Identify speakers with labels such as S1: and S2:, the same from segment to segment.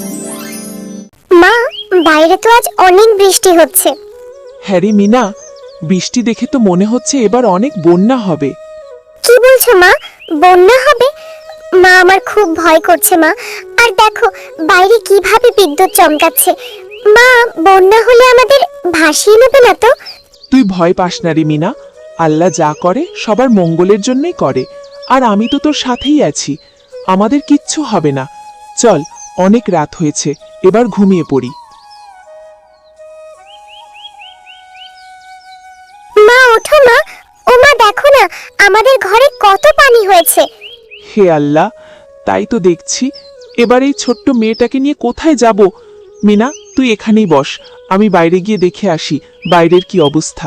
S1: মা, বাইরে তো আজ অনেক বৃষ্টি হচ্ছে।
S2: হ্যাঁ রে মিনা, বৃষ্টি দেখে তো মনে হচ্ছে এবার অনেক বন্যা হবে।
S1: কি বলছো মা? বন্যা হবে? মা, আমার খুব ভয় করছে মা। আর দেখো বাইরে কিভাবে বিদ্যুৎ চমকাচ্ছে। মা, বন্যা হলে আমাদের ভাসিয়ে নেবে না তো?
S2: তুই ভয় পাস না রে মিনা, আল্লাহ যা করে সবার মঙ্গলের জন্যই করে। আর আমি তো তোর সাথেই আছি, আমাদের কিচ্ছু হবে না। চল, অনেক রাত হয়েছে, এবার ঘুমিয়ে পড়ি।
S1: মা ওঠো মা। ও মা, দেখো না আমাদের ঘরে কত পানি হয়েছে।
S2: হে আল্লাহ, তাই তো দেখছি। এবার এই ছোট্ট মেয়েটাকে নিয়ে কোথায় যাব? মিনা, তুই এখানেই বস, আমি বাইরে গিয়ে দেখে আসি বাইরের কি অবস্থা।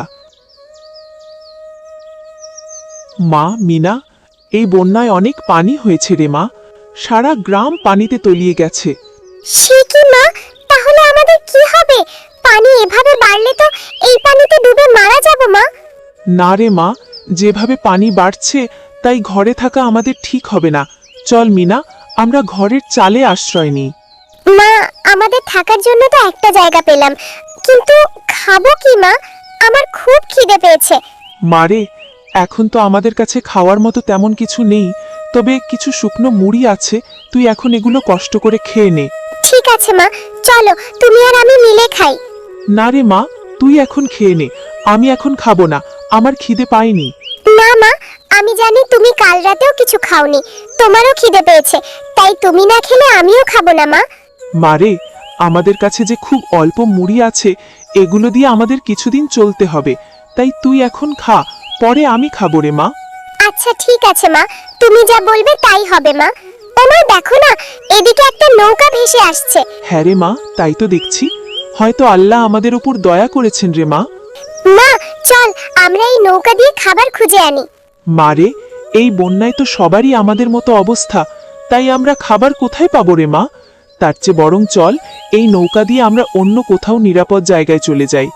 S2: মা মিনা, এই বন্যায় অনেক পানি হয়েছে রে মা, সারা গ্রাম পানিতে তলিয়ে গেছে।
S1: সে কি মা, তাহলে আমাদের কি হবে? পানি এভাবে বাড়লে তো এই পানিতে ডুবে মারা যাব মা।
S2: না রে মা, যেভাবে পানি বাড়ছে তাই ঘরে থাকা আমাদের ঠিক হবে না। চল মিনা, আমরা ঘরের চালে আশ্রয় নিই।
S1: মা, আমাদের থাকার জন্য তো একটা জায়গা পেলাম, কিন্তু খাবো কি মা? আমার খুব খিদে পেয়েছে।
S2: মারে, এখন তো আমাদের কাছে খাওয়ার মতো তেমন কিছু নেই, তবে কিছু শুকনো মুড়ি আছে, তুই এখন এগুলো কষ্ট করে খেয়ে নে।
S1: ঠিক আছে মা, চলো তুমি আর আমি মিলে খাই।
S2: না রে মা, তুই এখন খেয়ে নে, আমি এখন খাবো না, আমার খিদে পাইনি।
S1: না মা, আমি জানি তুমি কাল রাতেও কিছু খাওনি, তোমারও খিদে পেয়েছে, তাই তুমি না খেলে আমিও খাবো না মা।
S2: মারে, আমাদের কাছে যে খুব অল্প মুড়ি আছে, এগুলো দিয়ে আমাদের কিছুদিন চলতে হবে, তাই তুই এখন খা, পরে আমি খাবো রে মা।
S1: আচ্ছা ঠিক আছে মা, তুমি যা বলবে তাই হবে মা। ও মা, দেখো না এদিকে একটা নৌকা ভেসে আসছে।
S2: হ্যাঁ রে মা, তাই তো দেখছি, হয়তো আল্লাহ আমাদের উপর দয়া করেছেন রে মা।
S1: মা, চল আমরা এই নৌকা দিয়ে খাবার খুঁজে আনি।
S2: মারে, এই বন্যায় তো সবারই আমাদের মতো অবস্থা, তাই আমরা খাবার কোথায় পাবো রে মা? তার চেয়ে বরং চল এই নৌকা দিয়ে আমরা অন্য কোথাও নিরাপদ জায়গায় চলে যাই।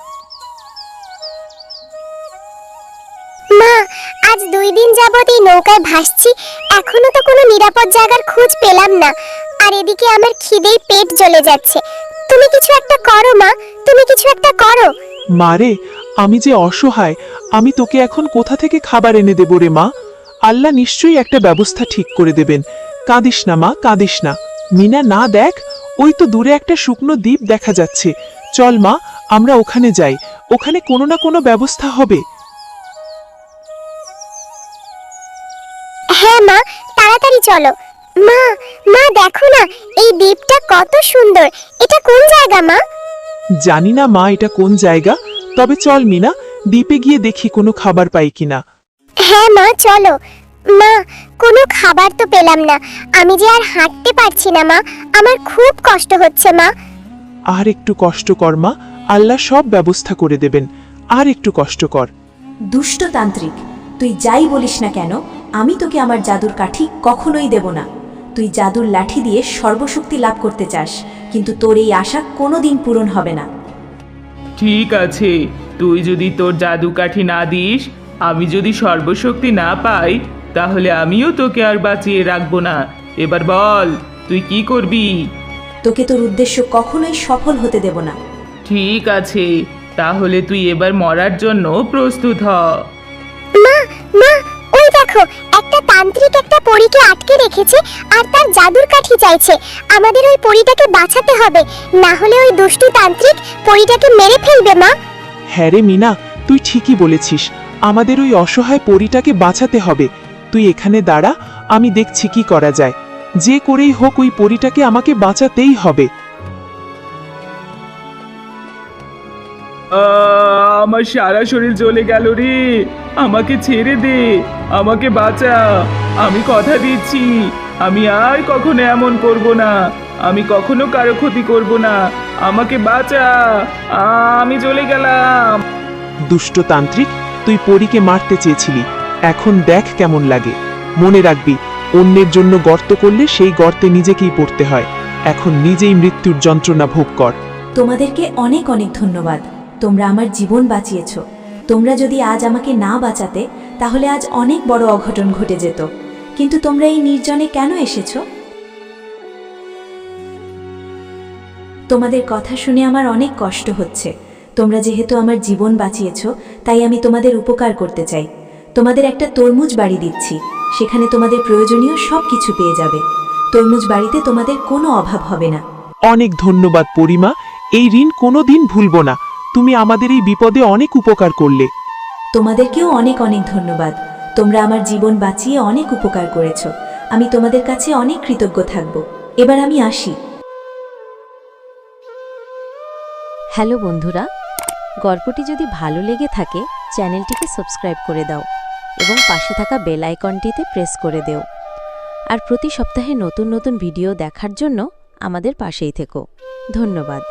S1: মা, আজ 2 দিন যাবত এই নৌকায় ভাসছি, এখনো তো কোনো নিরাপদ জায়গার খোঁজ পেলাম না। আর এদিকে আমার খিদেই পেট জ্বলে যাচ্ছে। তুমি কিছু একটা করো মা, তুমি কিছু একটা করো।
S2: মারে, আমি যে অসহায়, আমি তোকে এখন কোথা থেকে খাবার এনে দেব রে মা? আল্লাহ নিশ্চয়ই একটা ব্যবস্থা ঠিক করে দেবেন। কাঁদিস না মা, কাঁদিস না। মিনা, না দেখ, ওই তো দূরে একটা শুকনো দ্বীপ দেখা যাচ্ছে। চল মা, আমরা ওখানে যাই, ওখানে কোনো না কোনো ব্যবস্থা হবে।
S1: হ্যাঁ মা, তাড়াতাড়ি চলো। মা, মা দেখো না এই দ্বীপটা কত সুন্দর। এটা কোন জায়গা মা?
S2: জানি না মা এটা কোন জায়গা, তবে চল মিনা, দ্বীপে গিয়ে দেখি কোনো খাবার পাই কিনা।
S1: হ্যাঁ মা, চলো। মা, কোনো খাবার তো পেলাম না, আমি যে আর হাঁটতে পারছি না মা, আমার খুব কষ্ট হচ্ছে মা।
S2: আর একটু কষ্ট কর মা, আল্লাহ সব ব্যবস্থা করে দেবেন, আর একটু কষ্ট কর।
S3: দুষ্টতান্ত্রিক, তুই যাই বলিস না কেন, আমি তোকে আমার জাদুর কাঠি কখনোই দেব না। তুই জাদুর লাঠি দিয়ে সর্বশক্তি লাভ করতে চাস, কিন্তু তোর এই আশা কোনোদিন পূরণ হবে না।
S4: ঠিক আছে, তুই যদি তোর জাদু কাঠি না দিস, আমি যদি সর্বশক্তি না পাই, তাহলে আমিও তোকে আর বাঁচিয়ে রাখবো না। এবার বল, তুই কি করবি?
S3: তোকে তোর উদ্দেশ্য কখনোই সফল হতে দেব না।
S4: ঠিক আছে, তাহলে তুই এবার মরার জন্য প্রস্তুত হ।
S1: মা, মা, ওই দেখো একটা তান্ত্রিক একটা পরীকে আটকে রেখেছে আর তার জাদুর কাঠি চাইছে। আমাদের ওই পরীটাকে বাঁচাতে হবে, না হলে ওই দুষ্টু তান্ত্রিক পরীটাকে মেরে ফেলবে মা।
S2: হ্যাঁ রে মিনা, তুই ঠিকই বলেছিস, আমাদের ওই অসহায় পরীটাকে বাঁচাতে হবে। তুই এখানে দাঁড়া, আমি দেখছি কি করা যায়। যে করেই হোক ওই পরীটাকে আমাকে বাঁচাতেই হবে।
S4: আমার সারা শরীর জ্বলে গেল রে, আমাকে ছেড়ে দে, আমাকে বাঁচা। আমি কথা দিচ্ছি, আমি আর কখনো এমন করব না, আমি কখনো কারো ক্ষতি করব না। আমাকে বাঁচা, আমি চলে গেলাম।
S2: দুষ্টতান্ত্রিক, তুই পরীকে মারতে চেয়েছিলি, এখন দেখ কেমন লাগে। মনে রাখবি, অন্যের জন্য গর্ত করলে সেই গর্তে নিজেকেই পড়তে হয়। এখন নিজেই মৃত্যুর যন্ত্রণা ভোগ কর।
S3: তোমাদেরকে অনেক অনেক ধন্যবাদ, তোমরা আমার জীবন বাঁচিয়েছ। তোমরা যদি আজ আমাকে না বাঁচাতে, তাহলে আজ অনেক বড় অঘটন ঘটে যেত। কিন্তু তোমরা এই নির্জনে কেন এসেছো? তোমাদের কথা শুনে আমার অনেক কষ্ট হচ্ছে। তোমরা যেহেতু আমার জীবন বাঁচিয়েছ, তাই আমি তোমাদের উপকার করতে চাই। তোমাদের একটা তরমুজ বাড়ি দিচ্ছি, সেখানে তোমাদের প্রয়োজনীয় সব কিছু পেয়ে যাবে। তরমুজ বাড়িতে তোমাদের কোনো অভাব হবে না।
S2: অনেক ধন্যবাদ পরিমা, এই ঋণ কোনোদিন ভুলব না। তুমি আমাদের এই বিপদে অনেক উপকার করলে।
S3: তোমাদেরকেও অনেক অনেক ধন্যবাদ। তোমরা আমার জীবন বাঁচিয়ে অনেক উপকার করেছ। আমি তোমাদের কাছে অনেক কৃতজ্ঞ থাকব। এবার আমি আসি।
S5: হ্যালো বন্ধুরা, গল্পটি যদি ভালো লেগে থাকে চ্যানেলটিকে সাবস্ক্রাইব করে দাও এবং পাশে থাকা বেল আইকনটিতে প্রেস করে দেও। আর প্রতি সপ্তাহে নতুন নতুন ভিডিও দেখার জন্য আমাদের পাশেই থেকো। ধন্যবাদ।